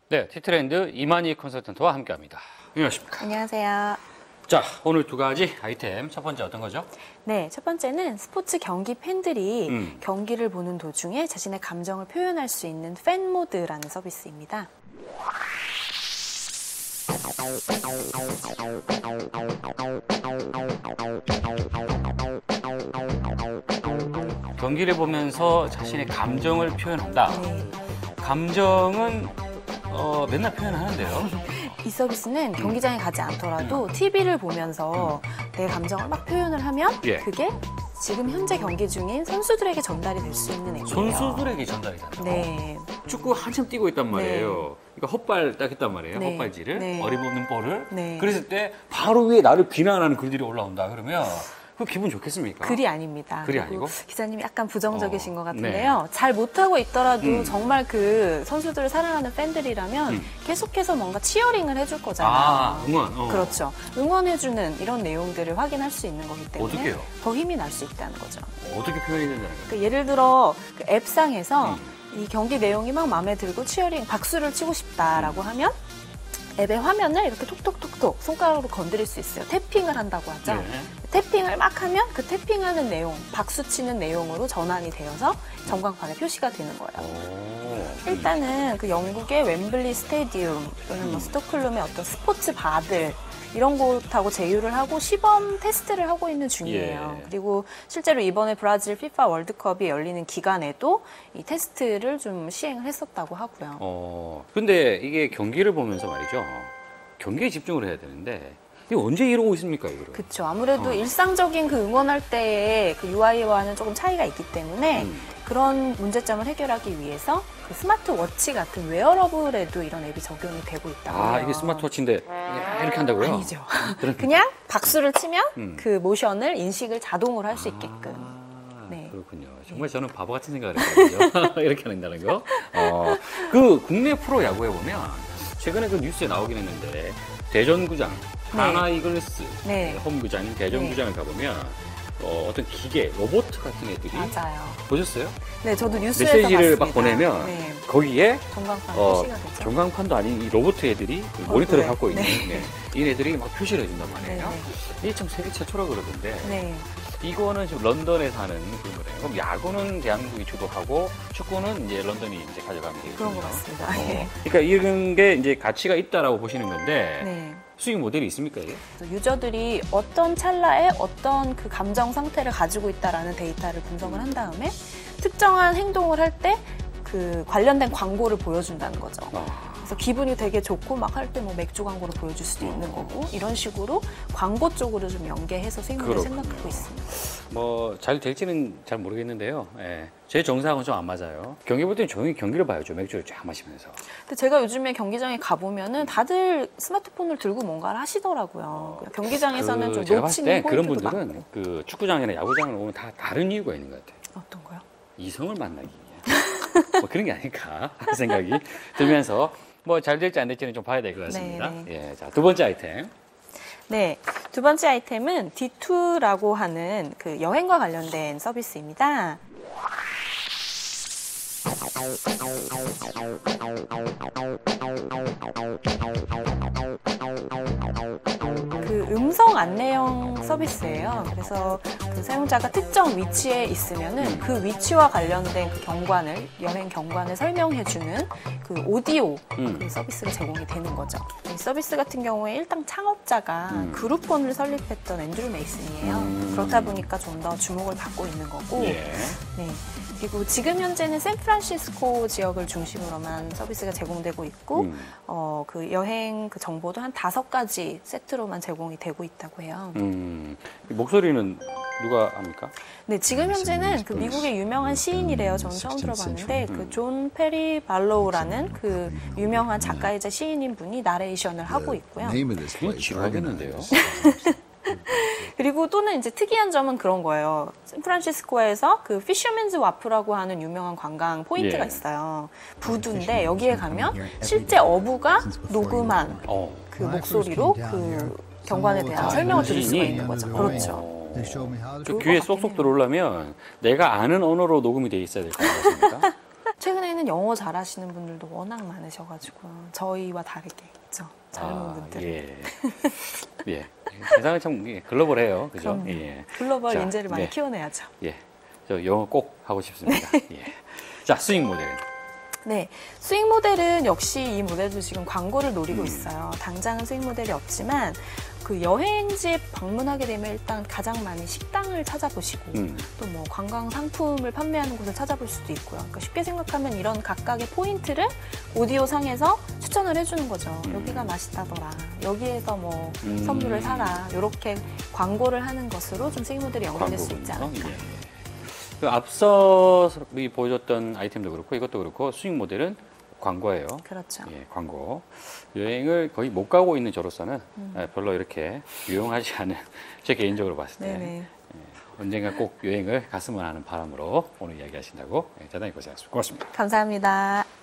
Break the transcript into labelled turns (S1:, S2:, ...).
S1: 네, 티트렌드 이만희 컨설턴트와 함께합니다. 안녕하십니까?
S2: 안녕하세요.
S1: 자, 오늘 두 가지 아이템. 첫 번째 어떤 거죠?
S2: 네, 첫 번째는 스포츠 경기 팬들이 경기를 보는 도중에 자신의 감정을 표현할 수 있는 팬 모드라는 서비스입니다.
S1: 경기를 보면서 자신의 감정을 표현한다.
S2: 네.
S1: 감정은 맨날 표현하는데요.
S2: 이 서비스는 경기장에 가지 않더라도 TV를 보면서 내 감정을 막 표현을 하면
S1: 예.
S2: 그게 지금 현재 경기 중인 선수들에게 전달이 될 수 있는 앱이에요.
S1: 선수들에게 전달이 된다.
S2: 네.
S1: 축구 한참 뛰고 있단 말이에요. 그러니까 헛발 딱 했단 말이에요.
S2: 네.
S1: 헛발질을.
S2: 네.
S1: 어림없는 볼을.
S2: 네.
S1: 그랬을 때 바로 위에 나를 비난하는 글들이 올라온다. 그러면 그 기분 좋겠습니까?
S2: 글이 아닙니다.
S1: 글이
S2: 그리고
S1: 아니고?
S2: 기자님이 약간 부정적이신 것 같은데요. 잘 못하고 있더라도 정말 그 선수들을 사랑하는 팬들이라면 계속해서 뭔가 치어링을 해줄 거잖아요.
S1: 아, 응원.
S2: 그렇죠. 응원해주는 이런 내용들을 확인할 수 있는 거기 때문에
S1: 어떻게 해요?
S2: 더 힘이 날 수 있다는 거죠.
S1: 어떻게 표현이 된다는 거예요?
S2: 그 예를 들어 그 앱상에서 이 경기 내용이 막 마음에 들고 치어링 박수를 치고 싶다라고 하면 앱의 화면을 이렇게 톡톡톡톡 손가락으로 건드릴 수 있어요. 태핑을 한다고 하죠.
S1: 네.
S2: 태핑을 막 하면 그 태핑하는 내용, 박수 치는 내용으로 전환이 되어서 전광판에 표시가 되는 거예요. 일단은 그 영국의 웸블리 스테디움 또는 뭐 스톡홀름의 어떤 스포츠 바들 이런 곳하고 제휴를 하고 시범 테스트를 하고 있는 중이에요.
S1: 예.
S2: 그리고 실제로 이번에 브라질 피파 월드컵이 열리는 기간에도 이 테스트를 좀 시행을 했었다고 하고요.
S1: 근데 이게 경기를 보면서 말이죠. 경기에 집중을 해야 되는데 이게 언제 이러고 있습니까, 이거를?
S2: 그렇죠. 아무래도 일상적인 그 응원할 때의 그 UI와는 조금 차이가 있기 때문에 그런 문제점을 해결하기 위해서 그 스마트워치 같은 웨어러블에도 이런 앱이 적용이 되고 있다고 해요.
S1: 아, 이게 스마트워치인데 이렇게 한다고요?
S2: 아니죠. 그냥 박수를 치면 그 모션을 인식을 자동으로 할 수 있게끔. 네.
S1: 그렇군요. 정말 저는 바보 같은 생각을 했거든요. 이렇게 한다는 거. 그 국내 프로 야구에 보면 최근에 그 뉴스에 나오긴 했는데 대전구장, 하나 이글스
S2: 네.
S1: 홈구장인 대전구장을 가보면 어떤 기계, 로봇 같은 애들이
S2: 맞아요.
S1: 보셨어요?
S2: 네, 저도 뉴스에서
S1: 메시지를
S2: 봤습니다.
S1: 막 보내면
S2: 네.
S1: 거기에
S2: 전광판 표시가 되죠.
S1: 전광판도 아닌 이 로봇 애들이 그 모니터를
S2: 네.
S1: 갖고 있는
S2: 네.
S1: 이 애들이 막 표시를 해준단 말이에요.
S2: 네.
S1: 이게 참 세계 최초라 그러던데
S2: 네.
S1: 이거는 지금 런던에서 하는 그런 거래요. 그럼 야구는 대한민국이 주도하고 축구는 이제 런던이 이제 가져가면 되겠죠.
S2: 그런 것 같습니다. 예.
S1: 그러니까 이런 게 이제 가치가 있다라고 보시는 건데
S2: 네.
S1: 수익 모델이 있습니까 이게?
S2: 유저들이 어떤 찰나에 어떤 그 감정 상태를 가지고 있다라는 데이터를 분석을 한 다음에 특정한 행동을 할 때 그 관련된 광고를 보여준다는 거죠. 그래서 기분이 되게 좋고 막 할 때 뭐 맥주 광고를 보여줄 수도 있는 거고 이런 식으로 광고 쪽으로 좀 연계해서 수익률을 생각하고 있습니다.
S1: 뭐 잘 될지는 잘 모르겠는데요. 예. 제 정상은 좀 안 맞아요. 경기 볼 때는 조용히 경기를 봐야죠. 맥주를 쫙 마시면서.
S2: 근데 제가 요즘에 경기장에 가보면은 다들 스마트폰을 들고 뭔가를 하시더라고요. 경기장에서는 좀
S1: 제가 봤을 때
S2: 놓치는
S1: 그런
S2: 포인트도
S1: 분들은
S2: 많고.
S1: 그 축구장이나 야구장을 오면 다 다른 이유가 있는 것 같아요.
S2: 어떤 거요?
S1: 이성을 만나기 위해. 뭐 그런 게 아닐까 하는 생각이 들면서 뭐 잘 될지 안 될지는 좀 봐야 될 것 같습니다.
S2: 네.
S1: 예, 자, 두 번째 아이템.
S2: 네, 두 번째 아이템은 D2라고 하는 그 여행과 관련된 서비스입니다. 그 음성 안내형 서비스예요. 그래서 그 사용자가 특정 위치에 있으면은 그 위치와 관련된 그 경관을 여행 경관을 설명해주는 그 오디오 그 서비스가 제공이 되는 거죠. 이 서비스 같은 경우에 일당 창업자가 그룹폰을 설립했던 앤드류 메이슨이에요. 그렇다 보니까 좀 더 주목을 받고 있는 거고.
S1: 예.
S2: 네. 그리고 지금 현재는 샌프란시스코 지역을 중심으로만 서비스가 제공되고 있고, 그 여행 그 정보도 한 5가지 세트로만 제공이 되고 있다고 해요.
S1: 목소리는 누가 합니까?
S2: 네, 지금 현재는 그 미국의 유명한 시인이래요. 저는 처음 들어봤는데, 그 존 페리 발로우라는 그 유명한 작가이자 시인인 분이 나레이션을 하고 있고요.
S1: 그냥 지루하겠는데요.
S2: 그리고 또는 이제 특이한 점은 그런 거예요. 샌프란시스코에서 그 피셔맨즈 와프라고 하는 유명한 관광 포인트가
S1: 예.
S2: 있어요. 부두인데 여기에 가면 실제 어부가 녹음한 그 목소리로 그 경관에 대한 설명을 들을 수가 있는 거죠. 그렇죠.
S1: 그 귀에 쏙쏙 들어오려면 내가 아는 언어로 녹음이 돼 있어야 될 것 같습니까?
S2: 최근에는 영어 잘하시는 분들도 워낙 많으셔가지고 저희와 다르게 그렇죠. 젊은 분들.
S1: 예. 예. 세상은 참 글로벌해요. 그죠?
S2: 그럼요.
S1: 예.
S2: 글로벌
S1: 자,
S2: 인재를 많이
S1: 네.
S2: 키워내야죠.
S1: 예. 저 영어 꼭 하고 싶습니다. 예. 자, 수익 모델.
S2: 네, 수익 모델은 역시 이 모델도 지금 광고를 노리고 있어요. 당장은 수익 모델이 없지만 그 여행지에 방문하게 되면 일단 가장 많이 식당을 찾아보시고 또 뭐 관광 상품을 판매하는 곳을 찾아볼 수도 있고요. 그러니까 쉽게 생각하면 이런 각각의 포인트를 오디오 상에서 추천을 해주는 거죠. 여기가 맛있다더라. 여기에서 뭐 선물을 사라. 이렇게 광고를 하는 것으로 좀 수익 모델이 연결될 수 있지 않을까.
S1: 예. 그 앞서 보여줬던 아이템도 그렇고 이것도 그렇고 수익 모델은 광고예요.
S2: 그렇죠.
S1: 예, 광고. 여행을 거의 못 가고 있는 저로서는 별로 이렇게 유용하지 않은 제 개인적으로 봤을 때
S2: 네네.
S1: 언젠가 꼭 여행을 갔으면 하는 바람으로 오늘 이야기하신다고 대단히 고생하셨습니다. 고맙습니다.
S2: 감사합니다.